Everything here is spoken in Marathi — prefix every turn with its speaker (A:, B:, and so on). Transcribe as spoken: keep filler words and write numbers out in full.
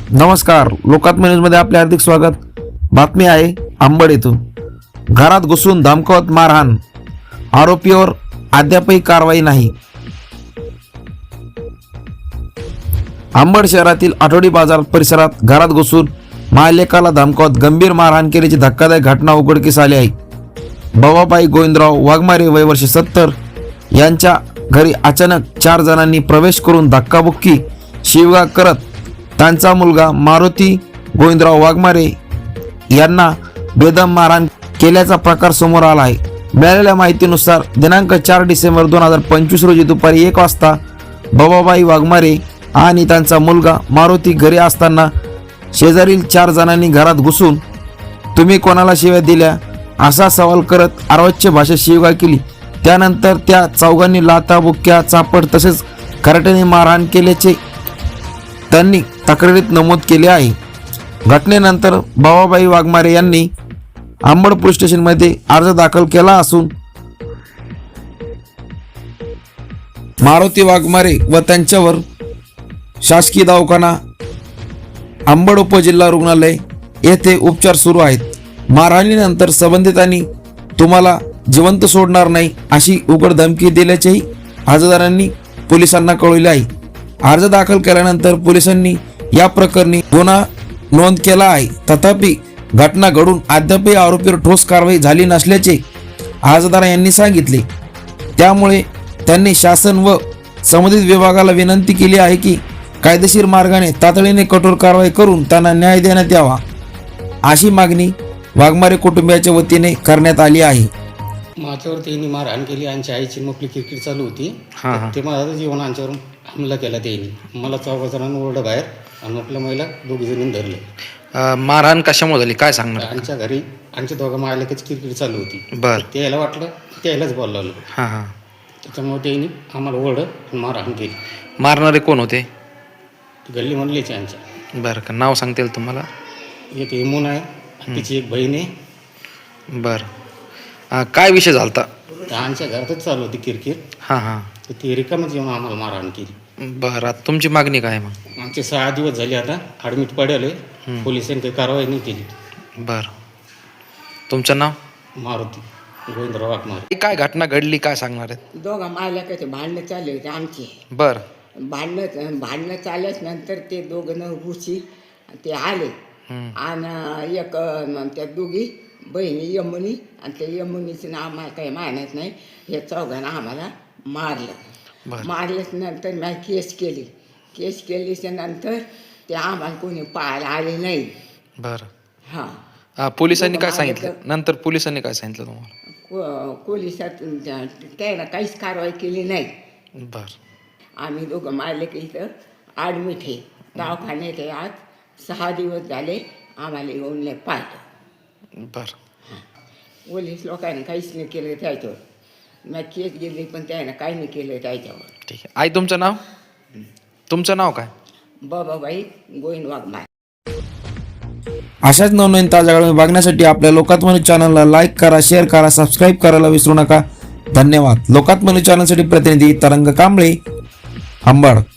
A: नमस्कार, लोकात्म न्यूजमध्ये आपले हार्दिक स्वागत। बातमी आहे अंबड येथून घरात घुसून धमकावत मारहाण, आरोपीवर अद्यापही कारवाई नाही। अंबड शहरातील आठवडी बाजार परिसरात घरात घुसून मायलेकाला धमकावत गंभीर मारहाण केल्याची धक्कादायक घटना उघडकीस आली आहे। बबाबाई गोविंदराव वाघमारे वय वर्ष सत्तर यांच्या घरी अचानक चार जणांनी प्रवेश करून धक्काबुक्की शिवगाळ करत त्यांचा मुलगा मारुती गोविंदराव वाघमारे यांना बेदम मारहाण केल्याचा प्रकार समोर आला आहे। मिळालेल्या माहितीनुसार दिनांक चार डिसेंबर दोन हजार पंचवीस रोजी दुपारी एक वाजता बबाबाई वाघमारे आणि त्यांचा मुलगा मारुती घरी असताना शेजारील चार जणांनी घरात घुसून तुम्ही कोणाला शिव्या दिल्या असा सवाल करत अर्वाच्य भाषेत शिवीगाळ केली। त्यानंतर त्या चौघांनी लाथा बुक्क्या चापड तसेच कराट्याने मारहाण केल्याचे त्यांनी तक्रारीत नमूद केले आहे। घटनेनंतर बबाबाई वाघमारे यांनी अंबड पोलीस स्टेशनमध्ये अर्ज दाखल केला असून मारुती वाघमारे व त्यांच्यावर शासकीय दवाखाना अंबड उपजिल्हा रुग्णालय येथे उपचार सुरू आहेत। मारहाणीनंतर संबंधितांनी तुम्हाला जिवंत सोडणार नाही अशी उघड धमकी दिल्याचेही अर्जदारांनी पोलिसांना कळवले आहे। अर्ज दाखल केल्यानंतर पोलिसांनी या प्रकरणी गुन्हा नोंद केला आहे। तथापि घटना घडून अद्यापही आरोपीवर ठोस कारवाई झाली नसल्याचे अर्जदार यांनी सांगितले। त्यामुळे त्यांनी शासन व संबंधित विभागाला विनंती केली आहे की कायदेशीर मार्गाने तातडीने कठोर कारवाई करून त्यांना न्याय देण्यात यावा अशी मागणी वाघमारे कुटुंबियाच्या वतीने करण्यात आली आहे।
B: माझ्यावर त्यांनी मारहाण केली, आमच्या आईची मोकळी क्रिकेट चालू होती, ते माझ्या जीवनांच्यावर हमला केला त्यांनी। मला चौघा जणांना ओरडा बाहेर आणि आपल्या महिला दोघी जणींनी धरले।
C: मारहाण कशामुळे झाली काय सांगणार?
B: आमच्या घरी आमच्या दोघा मायलेकाची क्रिकेट चालू होती।
C: बर
B: त्याला वाटलं त्यालाच बोलावलं,
C: हां हां
B: त्याच्यामुळे त्यांनी आम्हाला ओरड आणि मारहाण केली।
C: मारणारे कोण होते?
B: गल्ली म्हणलीच आमच्या।
C: बरं का नाव सांगता येईल तुम्हाला?
B: एक इमून आहे, तिची एक बहीण आहे।
C: बरं काय विषय झालता?
B: तर आमच्या घरातच चालू होती क्रिकेट,
C: हां हां
B: तर ती रिकामच येऊन आम्हाला मारहाण केली।
C: बरं आता तुमची मागणी काय मग?
B: आमचे सहा दिवस झाले आता ॲडमिट पडेल, पोलिसांनी काही कारवाई नाही केली।
C: बरं तुमचं नाव?
B: मारुती गोविंदराव वाघमारे।
C: काय घटना घडली काय सांगणार आहेत?
D: दोघं मायलेकाचे भांडणं चालले होते आमचे।
C: बरं
D: भांडणं भांडणं चालल्याच नंतर ते दोघं न घुशी ते आले आणि एक अं, त्या दोघी बहिणी यमुनी आणि त्या यमुनीचं नाव मला काही मानत नाही, हे चौघांना आम्हाला मारलं। मारल्याच नंतर मी केस केली, केस केलीच्या नंतर ते आम्हाला कोणी पाहायला आले नाही।
C: बरं
D: हां
C: पोलिसांनी काय सांगितलं नंतर? पोलिसांनी काय सांगितलं तुम्हाला?
D: को पोलिसात त्यानं काहीच कारवाई केली नाही।
C: बरं
D: आम्ही दोघं मारले की इथं ॲडमिट आहे, दवाखान्यात आहे। आज सहा दिवस झाले आम्हाला येऊन नाही पाहिलं।
C: बरं
D: पोलीस लोकांनी काहीच नाही केलं त्याच्यावर, मी केस गेली पण त्यानं काही नाही केलं त्याच्यावर।
C: ठीक आहे आई तुमचं नाव? तुमचं नाव काय?
D: बाबाबाई गोविंद वाघमारे।
A: अशाच नवनवीन ताज्या घडामोडी बघण्यासाठी आपल्या लोकात्म न्यूज चॅनलला लाईक करा, शेअर करा, सबस्क्राईब करायला विसरू नका। धन्यवाद। लोकात्म न्यूज चॅनलसाठी प्रतिनिधी तरंग कांबळे, अंबड।